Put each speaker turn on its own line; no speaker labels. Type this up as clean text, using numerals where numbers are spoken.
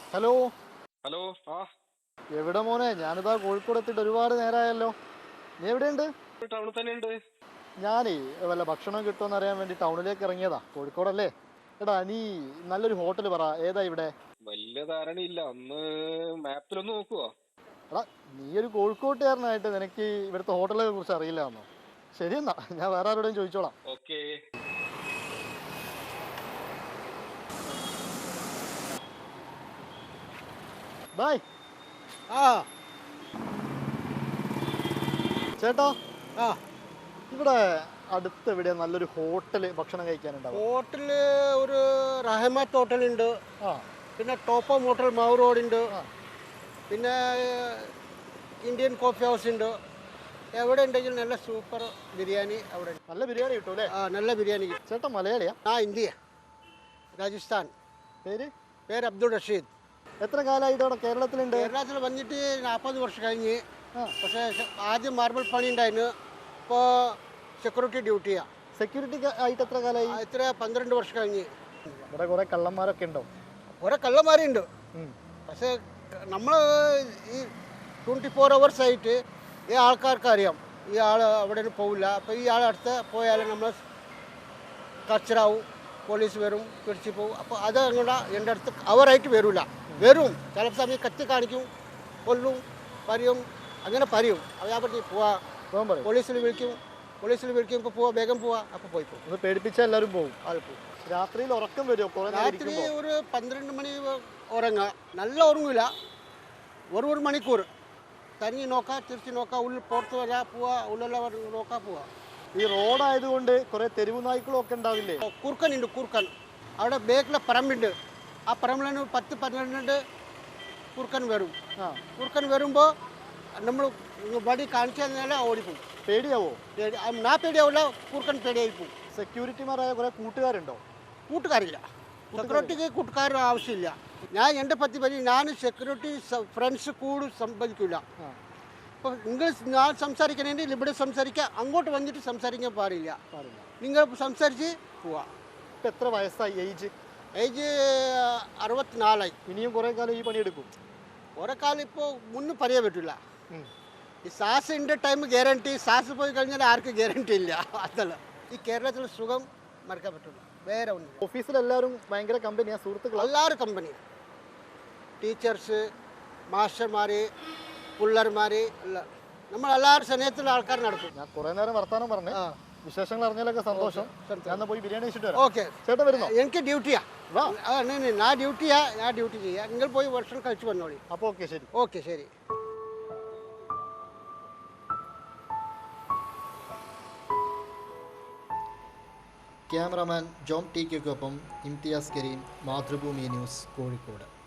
Hello.
Hello. ആ
എവിടെ മോനെ? ഞാനിതാ കോഴിക്കോട് എത്തിയിട്ട് ഒരുപാട് നേരമായല്ലോ. നീ എവിടെയുണ്ട്?
ടൗണിൽ തന്നെ ഉണ്ട്.
ഞാനേ വല്ല ഭക്ഷണം കിട്ടുമെന്ന് അറിയാൻ വേണ്ടി ടൗണിലേക്ക് ഇറങ്ങിയതാ. കോഴിക്കോടല്ലേ? എടാ നീ നല്ലൊരു ഹോട്ടൽ പറ, ഏതാ ഇവിടെ?
വലിയ ധാരണയില്ല, ഒന്ന് മാപ്പിലൊന്ന് നോക്കുവോ?
എടാ, നീ ഒരു കോഴിക്കോട്ടുകാരനായിട്ട് നിനക്ക് ഇവിടുത്തെ ഹോട്ടലുകളെ കുറിച്ച് അറിയില്ല എന്നോ? ശരി എന്നാ, ഞാൻ വേറെ ആരോടും ചോദിച്ചോളാം.
ഓക്കെ.
ബൈ.
ആ
ചേട്ടാ,
ആ
ഇവിടെ അടുത്ത് എവിടെയാ നല്ലൊരു ഹോട്ടൽ ഭക്ഷണം കഴിക്കാനുണ്ടാവും?
ഹോട്ടല് ഒരു റഹമത്ത് ഹോട്ടലുണ്ട്,
ആ
പിന്നെ ടോപ്പ് ഹോട്ടൽ മാവൂർ റോഡുണ്ട്,
ആ
പിന്നെ ഇന്ത്യൻ കോഫി ഹൗസ് ഉണ്ട്. എവിടെ ഉണ്ടെങ്കിലും നല്ല സൂപ്പർ ബിരിയാണി അവിടെ ഉണ്ട്.
നല്ല ബിരിയാണി കിട്ടും അല്ലേ?
ആ നല്ല ബിരിയാണി കിട്ടും.
ചേട്ടാ മലയാളിയാ?
ആ ഇന്ത്യ, രാജസ്ഥാൻ.
പേര്?
പേര് അബ്ദുൾ റഷീദ്.
എത്ര കാലമായിട്ട് അവിടെ കേരളത്തിലുണ്ട്?
കേരളത്തിൽ വന്നിട്ട് 40 വർഷം കഴിഞ്ഞ്.
ആ
പക്ഷേ ആദ്യം മാർബിൾ പണി ഉണ്ടായിരുന്നു, ഇപ്പോൾ സെക്യൂരിറ്റി ഡ്യൂട്ടിയാണ്.
സെക്യൂരിറ്റി ആയിട്ട് എത്ര കാലമായി?
ഇത്ര 12 വർഷം കഴിഞ്ഞ്.
ഇവിടെ കുറെ കള്ളന്മാരൊക്കെ ഉണ്ടോ?
കുറേ കള്ളന്മാരുണ്ട്, പക്ഷേ നമ്മൾ ഈ 24 hours ആയിട്ട് ഈ ആൾക്കാർക്ക് അറിയാം ഈ ആൾ അവിടെ പോവില്ല. അപ്പോൾ ഈ ആൾ അടുത്ത് പോയാൽ നമ്മൾ കച്ചറാവും, പോലീസ് വരും, പിടിച്ചു പോകും. അപ്പോൾ അത് അങ്ങോട്ട് എൻ്റെ അടുത്ത് അവരായിട്ട് വരില്ല. വരും, ചില സമയം കത്തി കാണിക്കും, കൊല്ലും, പറയും, അങ്ങനെ പറയും. അപ്പോൾ ഞാൻ പറഞ്ഞു പോവാ, പോലീസിൽ വിളിക്കുമ്പോൾ പോവാ, വേഗം പോവാ. അപ്പോൾ പോയി പോകും.
ഒന്ന് പേടിപ്പിച്ചാൽ എല്ലാവരും പോകും.
അത് പോകും.
രാത്രിയിൽ ഉറക്കം വരുമോ?
രാത്രി ഒരു 12 മണി ഉറങ്ങുക. നല്ല ഉറങ്ങില്ല, ഒരു മണിക്കൂർ തനിയെ നോക്കുക, തിരിച്ച് നോക്കുക, ഉള്ളിൽ പുറത്ത് വരാ പോവാ, ഉള്ളെല്ലാം നോക്കുക പോവാ.
ഈ റോഡായതുകൊണ്ട് കുറെ തെരുവ് നായ്ക്കളും ഒക്കെ ഉണ്ടാവില്ലേ?
കുറുക്കനുണ്ട്, കുറുക്കൻ. അവിടെ ബേക്കിലെ പറമ്പുണ്ട്, ആ പറമ്പിലാണ് 10-12 കുറുക്കൻ വരും. കുറുക്കൻ വരുമ്പോൾ നമ്മൾ വടി കാണിച്ചാൽ ഓടിപ്പോകും.
പേടിയാവോ?
ഞാൻ പേടിയാവില്ല, കുറുക്കൻ പേടിയായി പോകും.
സെക്യൂരിറ്റിമാരായ കുറെ കൂട്ടുകാരുണ്ടോ?
കൂട്ടുകാരില്ല, സെക്യൂരിറ്റിക്ക് കൂട്ടുകാർ ആവശ്യമില്ല. ഞാൻ എൻ്റെ പറ്റി പറയും, ഞാൻ സെക്യൂരിറ്റി ഫ്രണ്ട്സ് കൂടി സംബന്ധിക്കില്ല. ഇപ്പോൾ നിങ്ങൾ ഞാൻ സംസാരിക്കണമെങ്കിൽ ഇവിടെ സംസാരിക്കുക, അങ്ങോട്ട് വന്നിട്ട് സംസാരിക്കാൻ പാടില്ല. നിങ്ങൾ സംസാരിച്ച് പോവാ.
ഇപ്പം എത്ര വയസ്സായി?
ഏജ് 64.
ഇനിയും കുറേ കാലം ഈ പണിയെടുക്കും?
കുറേ കാലം ഇപ്പോൾ മുന്നും പറയാൻ പറ്റില്ല. ഈ സാസിൻ്റെ ടൈം ഗ്യാരണ്ടി, സാസ് പോയി കഴിഞ്ഞാൽ ആർക്കും ഗ്യാരണ്ടി ഇല്ല. അതല്ല ഈ കേരളത്തിൽ സുഖം മറക്കാൻ പറ്റില്ല, വേറെ ഒന്നും.
ഓഫീസിലെല്ലാവരും ഭയങ്കര കമ്പനിയാണ്, സുഹൃത്തുക്കൾ
എല്ലാവരും കമ്പനി, ടീച്ചേഴ്സ്, മാസ്റ്റർമാർ, പിള്ളേർമാർ എല്ലാം നമ്മളെല്ലാവരും സ്നേഹത്തിലുള്ള ആൾക്കാർ നടക്കും.
ഞാൻ കുറേ നേരം വർത്താനം പറഞ്ഞു, വിശേഷങ്ങൾ അറിഞ്ഞാലൊക്കെ സന്തോഷം. ഞാൻ പോയി ബിരിയാണി കഴിച്ചിട്ട് വരാം.
ഓക്കെ,
ചേട്ടൻ വരുന്നോ?
എനിക്ക് ഡ്യൂട്ടിയാ. ഞാൻ ഡ്യൂട്ടി ചെയ്യാം. നിങ്ങൾ പോയി ഭക്ഷണം കഴിച്ചു വന്നോളി.
അപ്പോൾ ഓക്കെ, ശരി.
ഓക്കെ, ശരി.
ക്യാമറാമാൻ ജോം ടി കെക്കൊപ്പം ഇംതിയാസ് കരീം, മാതൃഭൂമി ന്യൂസ്, കോഴിക്കോട്.